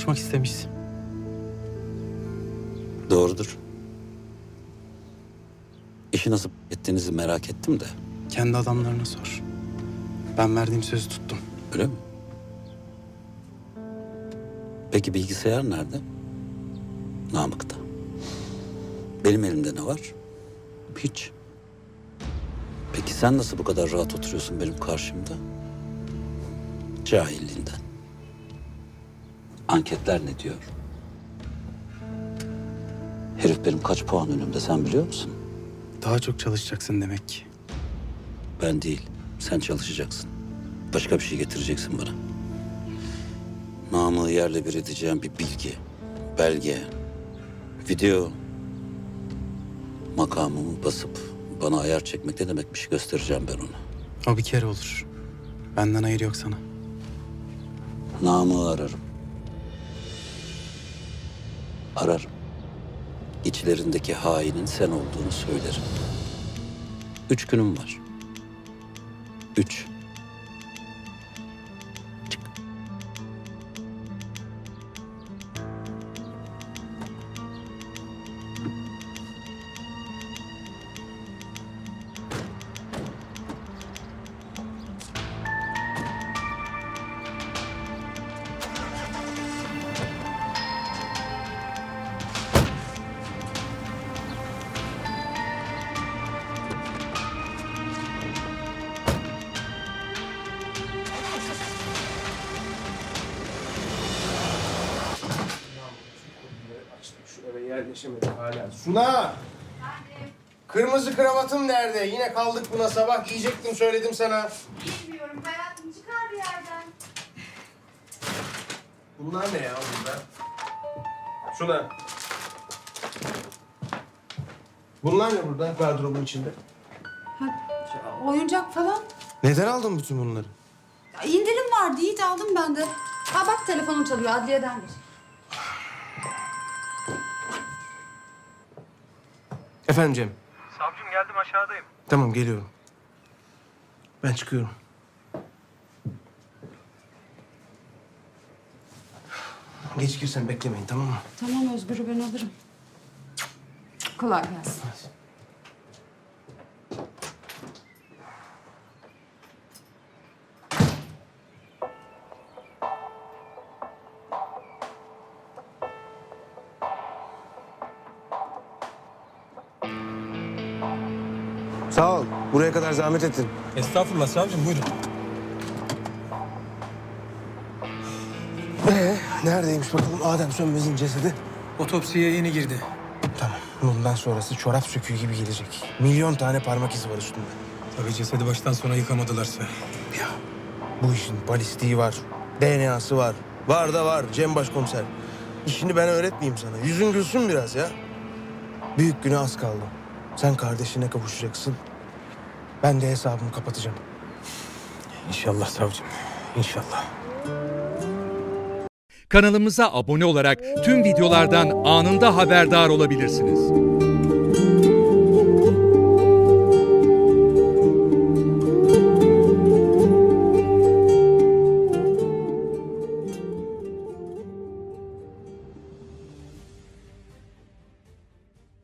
konuşmak istemişsin. Doğrudur. İşi nasıl ettiğinizi merak ettim de. Kendi adamlarına sor. Ben verdiğim sözü tuttum. Öyle mi? Peki bilgisayar nerede? Namık'ta. Benim elimde ne var? Hiç. Peki sen nasıl bu kadar rahat oturuyorsun benim karşımda? Cahilliğinden. Anketler ne diyor? Herif benim kaç puan önümde sen biliyor musun? Daha çok çalışacaksın demek ki. Ben değil, sen çalışacaksın. Başka bir şey getireceksin bana. Namığı yerle bir edeceğim bir bilgi, belge, video. Makamımı basıp bana ayar çekmek ne demekmiş göstereceğim ben ona. O bir kere olur. Benden hayır yok sana. Namığı ararım. Ararım. İçlerindeki hainin sen olduğunu söylerim. 3 günüm var. 3. Çık. Şu eve yerleşemedi hala. Suna! Kırmızı kravatım nerede? Yine kaldık buna, sabah giyecektim söyledim sana. Bilmiyorum hayatım, çıkar bir yerden. Bunlar ne ya burada? Suna! Bunlar ne burada gardırobun içinde? Oyuncak falan. Neden aldın bütün bunları? Ya, indirim vardı, Yiğit aldım ben de. Ha bak telefonum çalıyor, adliyedendir. Efendim Cem. Savcım geldim aşağıdayım. Tamam geliyorum. Ben çıkıyorum. Geç girsen beklemeyin tamam mı? Tamam Özgür'ü ben alırım. Kolay gelsin. Sağ ol. Buraya kadar zahmet ettin. Estağfurullah savcım buyurun. Neredeymiş bakalım Adem Sönmez'in cesedi? Otopsiye yeni girdi. Tamam. Bundan sonrası çorap söküğü gibi gelecek. Milyon tane parmak izi var üstünde. Tabii cesedi baştan sona yıkamadılarsa. Ya bu işin balistiği var. DNA'sı var. Var da var Cem Başkomiser. İşini ben öğretmeyeyim sana. Yüzün gülsün biraz ya. Büyük güne az kaldı. Sen kardeşine kavuşacaksın. Ben de hesabımı kapatacağım. İnşallah savcım. İnşallah. Kanalımıza abone olarak tüm videolardan anında haberdar olabilirsiniz.